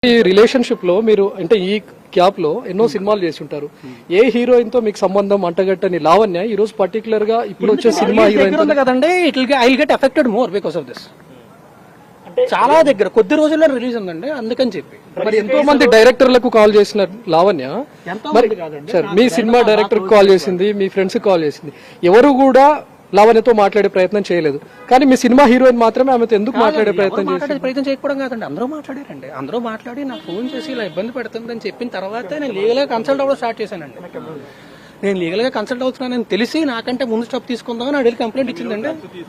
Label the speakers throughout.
Speaker 1: ఈ రిలేషన్షిప్ లో మీరు అంటే ఈ గ్యాప్ లో ఎన్నో సినిమాలు చేసి ఉంటారు. ఏ హీరోయిన్ తో మీకు సంబంధం అంటగట్టని లావణ్య ఈ రోజు పర్టికులర్ గా ఇప్పుడు వచ్చే సినిమా హీరోయిన్
Speaker 2: కదండి. I get affected more because of this. చాలా దగ్గర కొద్ది రోజుల్లో రిలీజ్ ఉందండి, అందుకని చెప్పి
Speaker 1: మరి ఎంతో మంది డైరెక్టర్లకు కాల్ చేసిన లావణ్య మరి సార్ మీ సినిమా డైరెక్టర్ కాల్ చేసింది, మీ ఫ్రెండ్స్ కాల్ చేసింది, ఎవరు కూడా లావణ్యతో మాట్లాడే ప్రయత్నం చేయలేదు. కానీ మీ సినిమా హీరోయిన్ మాత్రమే ఆమెతో ఎందుకు మాట్లాడే ప్రయత్నం
Speaker 2: చేయకపోవడం కాదండి, అందరూ మాట్లాడారండి. అందరూ మాట్లాడి నాకు ఫోన్ చేసి ఇలా ఇబ్బంది పెడుతుందని చెప్పిన తర్వాత నేను లీగల్ గా కన్సల్ట్ అవ్వడం స్టార్ట్ చేశానండి. నేను లీగల్ గా కన్సల్ట్ అవుతున్నానని తెలిసి నాకంటే ముందు స్టాప్ తీసుకుందామని అడిగి కంప్లైంట్ ఇచ్చిందండి.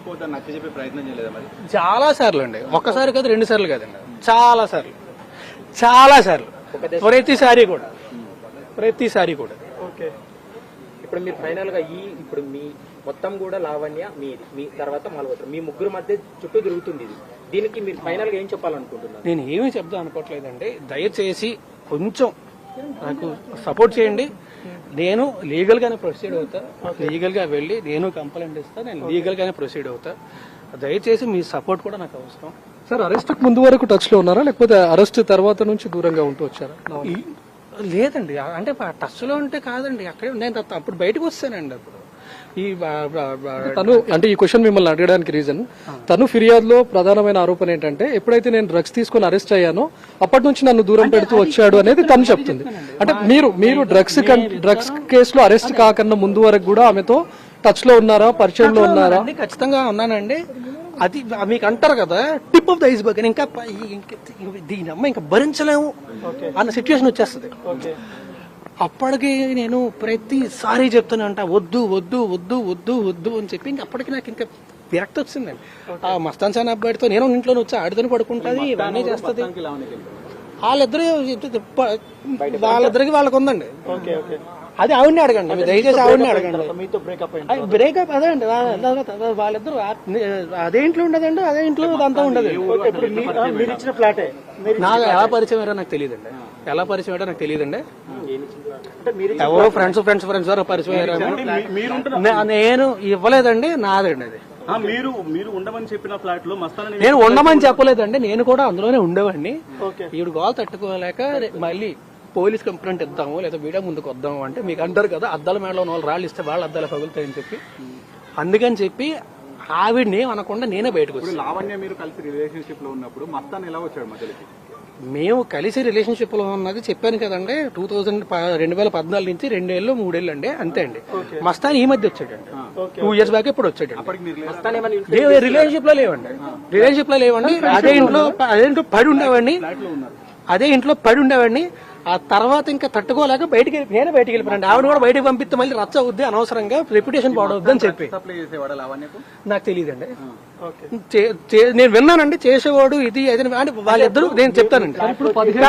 Speaker 2: చాలా సార్లు అండి, ఒక్కసారి కాదు, 2 సార్లు కాదండి, చాలా సార్లు, చాలా సార్లు, ప్రతిసారి కూడా.
Speaker 3: ఓకే, ఇప్పుడు మీరు ఫైనల్ గా ఇప్పుడు మీ మొత్తం కూడా లావణ్య మీది, మీ తర్వాత మల్హోత్రా, మీ ముగ్గురు మధ్య చుట్టూ తిరుగుతుంది ఇది. దీనికి మీరు ఫైనల్ గా ఏం చెప్పాలనుకుంటున్నారు?
Speaker 2: నేను ఏమీ చెప్దాం అనుకోవట్లేదండి. దయచేసి కొంచెం నాకు సపోర్ట్ చేయండి. నేను లీగల్ గానే ప్రొసీడ్ అవుతా, లీగల్ గా వెళ్ళి నేను కంప్లైంట్ ఇస్తా, నేను లీగల్ గానే ప్రొసీడ్ అవుతా. దయచేసి మీ సపోర్ట్ కూడా నాకు అవసరం.
Speaker 1: సార్ అరెస్ట్ ముందు వరకు టచ్ లో ఉన్నారా, లేకపోతే అరెస్ట్ తర్వాత నుంచి దూరంగా ఉంటూ వచ్చారా?
Speaker 2: లేదండి, అంటే టచ్ లో ఉంటే కాదండి, అక్కడే నేను అప్పుడు బయటకు వస్తానండి. అప్పుడు
Speaker 1: తను అంటే ఈ క్వశ్చన్ మిమ్మల్ని అడగడానికి రీజన్, తను ఫిర్యాదులో ప్రధానమైన ఆరోపణ ఏంటంటే ఎప్పుడైతే నేను డ్రగ్స్ తీసుకుని అరెస్ట్ అయ్యానో అప్పటి నుంచి నన్ను దూరం పెడుతూ వచ్చాడు అనేది తను చెప్తుంది. అంటే మీరు డ్రగ్స్ కేసులో అరెస్ట్ కాకన్నా ముందు వరకు కూడా ఆమెతో టచ్ లో ఉన్నారా, పరిచయంలో ఉన్నారా?
Speaker 2: ఖచ్చితంగా ఉన్నానండి. అది మీకు అంటారు కదా, టిప్ ఆఫ్ ద ఐస్బర్గ్, ఇంకా దీని అమ్మ ఇంకా భరించలేము అన్న సిచ్యువేషన్ వచ్చేస్తుంది. అప్పటికి నేను ప్రతిసారి చెప్తూనే ఉంటా, వద్దు వద్దు వద్దు వద్దు వద్దు అని చెప్పి ఇంకా అప్పటికి నాకు ఇంకా విరక్తి వచ్చిందండి. ఆ మస్తాన్ సాన్ అబ్బాయితో నేను ఇంట్లో వచ్చి ఆడితోనే పడుకుంటుంది, ఇవన్నీ చేస్తుంది. వాళ్ళిద్దరికి వాళ్ళకు ఉందండి. అది ఆవిడని అడగండి, దయచేసి ఆవిడని అడగండి. బ్రేకప్ అదే అండి, వాళ్ళిద్దరు అదే ఇంట్లో ఉండదండి, అదే ఇంట్లో అంతా ఉండదు. నాకు ఎలా పరిచయం అయ్యారో నాకు తెలియదండి, ఎలా పరిచయం అయ్యారో నాకు తెలియదండి. ఎవరో ఫ్రెండ్స్ ద్వారా పరిచయం అయ్యారు. నేను ఇవ్వలేదండి, నాదండి అది.
Speaker 4: మీరు ఉండమని చెప్పిన ఫ్లాట్ లో
Speaker 2: నేను ఉండమని చెప్పలేదండి, నేను కూడా అందులోనే ఉండేవాడిని. ఈవిడ గోల్ తట్టుకోలేక మళ్ళీ పోలీస్ కంప్లైంట్ ఇద్దాము లేదా మీడియా ముందుకు వద్దాము అంటే, మీకు అంటారు కదా అద్దాల మేడలో ఉన్న వాళ్ళు రాళ్ళు ఇస్తే వాళ్ళ అద్దాలు పగులుతాయని చెప్పి, అందుకని చెప్పి ఆవిడని అనకుండా నేనే బయటకు వచ్చాను.
Speaker 4: లావణ్య మీరు కలిసి రిలేషన్షిప్ లో ఉన్నప్పుడు మస్తాన్ ఎలా వచ్చాడు మధ్యలోకి?
Speaker 2: మేము కలిసి రిలేషన్షిప్ లో ఉన్నది చెప్పాను కదండి, 2014 నుంచి 2 ఏళ్ళు 3 ఏళ్ళు అండి, అంతే అండి. మస్తాన్ ఈ మధ్య వచ్చాడండి, 2 ఇయర్స్ బ్యాక్ ఇప్పుడు వచ్చాడు. రిలేషన్షిప్ లో లేవండి, అదే ఇంట్లో పడి ఉండేవాడిని. ఆ తర్వాత ఇంకా తట్టుకోలేక నేనే బయటికి వెళ్ళిపోయాను. ఆవిడ కూడా బయటకు పంపిస్తే మళ్ళీ రచ్చ అవుద్ది, అనవసరంగా రెప్యుటేషన్ పాడవద్దు అని చెప్పి. నాకు తెలియదండి, నేను విన్నానండి చేసేవాడు ఇది అది అంటే వాళ్ళిద్దరు, నేను చెప్తానండి.
Speaker 1: ఇప్పుడు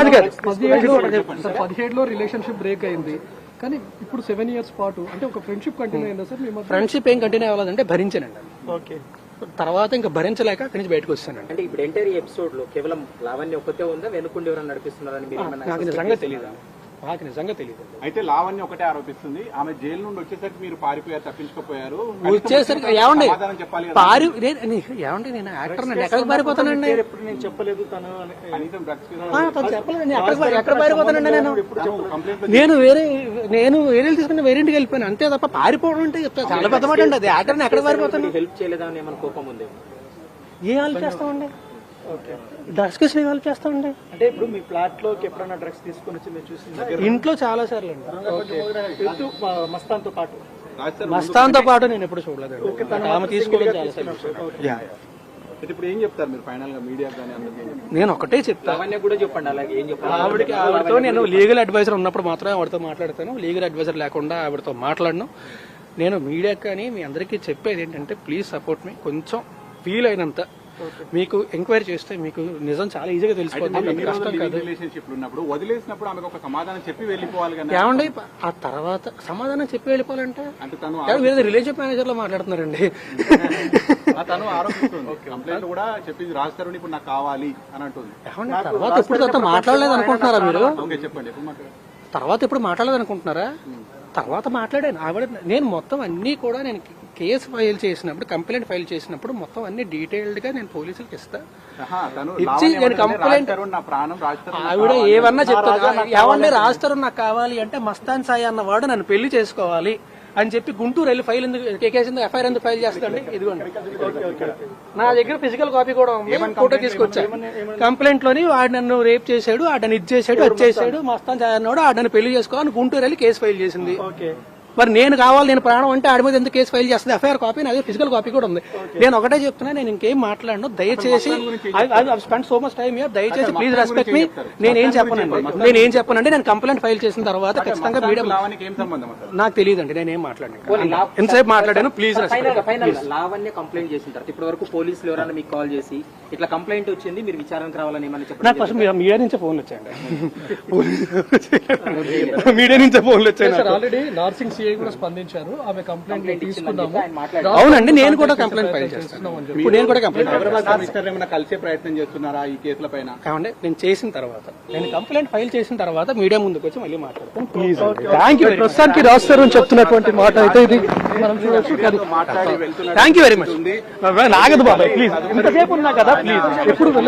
Speaker 1: 17లో రిలేషన్షిప్ బ్రేక్ అయింది, కానీ ఇప్పుడు 7 ఇయర్స్ పాటు అంటే ఒక ఫ్రెండ్షిప్ కంటిన్యూ అయిందా సార్?
Speaker 2: ఫ్రెండ్షిప్ ఏం కంటిన్యూ అవ్వాలంటే భరించానండి. ఓకే, తర్వాత ఇంకా భరించలేక అక్కడి నుంచి బయటకు వస్తానండి.
Speaker 3: అంటే ఇప్పుడు ఎంటైర్ ఎపిసోడ్ లో కేవలం లావణ్య ఒక్కతే ఉందా, వెనుకుండి ఎవరైనా నడిపిస్తున్నారని
Speaker 2: నాకు నిజంగా తెలియదు.
Speaker 4: అయితే లావణ్య ఒకటే ఆరోపిస్తుంది, ఆమె జైలు నుండి వచ్చేసరికి మీరు పారిపోయారు, తప్పించుకోపోయారు.
Speaker 2: వచ్చేసరికి ఏమండి ఏమండి నేను యాక్టర్ నండి, ఎక్కడికి పారిపోతానండి?
Speaker 3: నేను చెప్పలేదు, తను
Speaker 2: చెప్పలేదు, ఎక్కడ పారిపోతానండి? నేను వేరే తీసుకుని వేరే ఇంటికి వెళ్ళిపోయాను అంతే తప్ప పారిపోవడం అంటే చాలా పెద్ద మాట అండి. అది యాక్టర్ ఎక్కడ పారిపోతాను?
Speaker 3: హెల్ప్ చేయలేదా అని ఏమైనా కోపం ఉంది?
Speaker 2: ఏ హెల్ప్ చేస్తామండి, డ్రగ్స్ కేసు హెల్ప్ చేస్తామండి.
Speaker 3: అంటే ఇప్పుడు మీ ఫ్లాట్ లోకి ఎప్పుడైనా డ్రగ్స్ తీసుకుని వచ్చి మీరు చూసింది?
Speaker 2: ఇంట్లో చాలా సార్లు అండి,
Speaker 3: మస్తాన్తో పాటు
Speaker 2: నేను ఎప్పుడు చూడలేదు. ఆమె తీసుకోవడం చాలా సార్లు.
Speaker 4: ఇప్పుడు ఏం చెప్తారు మీరు ఫైనల్ గా మీడియా?
Speaker 2: నేను ఒకటే చెప్తాను,
Speaker 3: లావణ్య కూడా చెప్పండి అలాగే ఏం చెప్పాలి.
Speaker 2: ఆవిడతో నేను లీగల్ అడ్వైజర్ ఉన్నప్పుడు మాత్రమే ఆవిడతో మాట్లాడతాను, లీగల్ అడ్వైజర్ లేకుండా ఆవిడతో మాట్లాడను. నేను మీడియా కానీ మీ అందరికీ చెప్పేది ఏంటంటే, ప్లీజ్ సపోర్ట్ మీ. కొంచెం ఫీల్ అయినంత మీకు ఎంక్వైరీ చేస్తే మీకు నిజం చాలా ఈజీగా తెలిసిపోతుంది.
Speaker 4: వదిలేసినప్పుడు ఆమెకు ఒక సమాధానం చెప్పి వెళ్ళిపోవాలి కదా.
Speaker 2: ఏమండి ఆ తర్వాత సమాధానం చెప్పి వెళ్ళిపోవాలంటే వేరే రిలేషన్ మేనేజర్ లో మాట్లాడుతున్నారండి.
Speaker 4: తను ఆరోపిస్తుంది, కంప్లైంట్ కూడా చెప్పింది రాస్తారు, ఇప్పుడు నాకు కావాలి అని అంటుంది.
Speaker 2: తర్వాత ఇప్పుడు మాట్లాడలేదు అనుకుంటున్నారా మీరు?
Speaker 4: చెప్పండి,
Speaker 2: తర్వాత ఇప్పుడు మాట్లాడలేదు అనుకుంటున్నారా? తర్వాత మాట్లాడాను ఆవిడ, నేను మొత్తం అన్ని కూడా నేను కేసు ఫైల్ చేసినప్పుడు, కంప్లైంట్ ఫైల్ చేసినప్పుడు మొత్తం అన్ని డీటెయిల్డ్ గా నేను పోలీసులకు ఇస్తా.
Speaker 4: తను
Speaker 2: ఇచ్చి
Speaker 4: లావణ్య
Speaker 2: నేను
Speaker 4: ఏమంటుందంటే,
Speaker 2: కంప్లైంట్
Speaker 4: రాజ్ తరుణ్ నా ప్రాణం, రాజ్ తరుణ్
Speaker 2: ఆవిడ ఏమన్నా చెప్తారు. ఏమన్నా రాస్తారు నాకు కావాలి అంటే మస్తాన్ సాయి అన్నవాడు నన్ను పెళ్లి చేసుకోవాలి అని చెప్పి గుంటూరు వెళ్ళి ఫైల్ ఎందుకు కేసు ఎందుకు ఎఫ్ఐఆర్ ఎందుకు ఫైల్ చేస్తాండి? ఇదిగోండి నా దగ్గర ఫిజికల్ కాపీ కూడా ఉంది, ఫోటో తీసుకొచ్చా. కంప్లైంట్ లోని వాడు నన్ను రేప్ చేశాడు, ఆడని ఇది చేశాడు, అది చేశాడు, మస్తాన్ సాయి అన్నాడు, ఆడని పెళ్లి చేసుకోవాలని గుంటూరు వెళ్ళి కేసు ఫైల్ చేసింది. మరి నేను కావాలి, నేను ప్రాణం అంటే ఆడి మీద ఎందుకు కేసు ఫైల్ చేస్తుంది? ఎఫ్ఐఆర్ కాపీ, నా దగ్గర ఫిజికల్ కాపీ కూడా ఉంది. నేను ఒకటే చెప్తున్నా, నేను ఇంకేం మాట్లాడను. దయచేసి spend so much time year, దయచేసి ప్లీజ్ రెస్పెక్ట్ మీ. నేనేం చెప్పనండి, నేను కంప్లైంట్ ఫైల్ చేసిన తర్వాత ఖచ్చితంగా మీడియా
Speaker 4: లావణ్యకి ఏం సంబంధం అసలు?
Speaker 2: నాకు తెలియదండి, నేనేం మాట్లాడాను, ఎంతసేపు మాట్లాడాను. ప్లీజ్
Speaker 3: ఫైనల్ లావణ్య కంప్లైంట్ చేసిన తర్వాత ఇప్పటి వరకు పోలీసులు ఎవరైనా మీకు కాల్ చేసి ఇట్లా కంప్లైంట్ వచ్చింది మీరు విచారణకు రావాలని ఏమని చెప్పండి?
Speaker 2: నాకు ఫస్ట్ మీడియా నుంచే ఫోన్లు వచ్చాయండి. మీడియా నుంచే ఫోన్లు వచ్చాయి.
Speaker 1: ఆల్రెడీ నార్సింగ్ సిఐ కూడా స్పందించారు, ఆమె కంప్లైంట్ తీసుకున్నాము.
Speaker 2: అవునండి, నేను కూడా కంప్లైంట్ ఫైల్ చేస్తాను. ఇప్పుడు నేను కూడా కంప్లైంట్
Speaker 4: మిస్టర్ ఏమైనా కలిసే ప్రయత్నం చేస్తున్నారా ఈ కేసుల పైన?
Speaker 2: కావండి, నేను చేసిన తర్వాత, నేను కంప్లైంట్ ఫైల్ చేసిన తర్వాత మీడియా ముందుకు వచ్చి మళ్ళీ మాట్లాడతాను. Please, thank you.
Speaker 1: ప్రస్తుతానికి రాస్తారు అని చెప్తున్నటువంటి మాట అయితే ఇది మనం చూడొచ్చు.
Speaker 4: మాట్లాడి వెళ్తున్నారు.
Speaker 2: Thank you very much. నాగదు బాబాయ్, ప్లీజ్, ఇంతసేపు ఉన్నా కదా, ప్లీజ్ ఎప్పుడు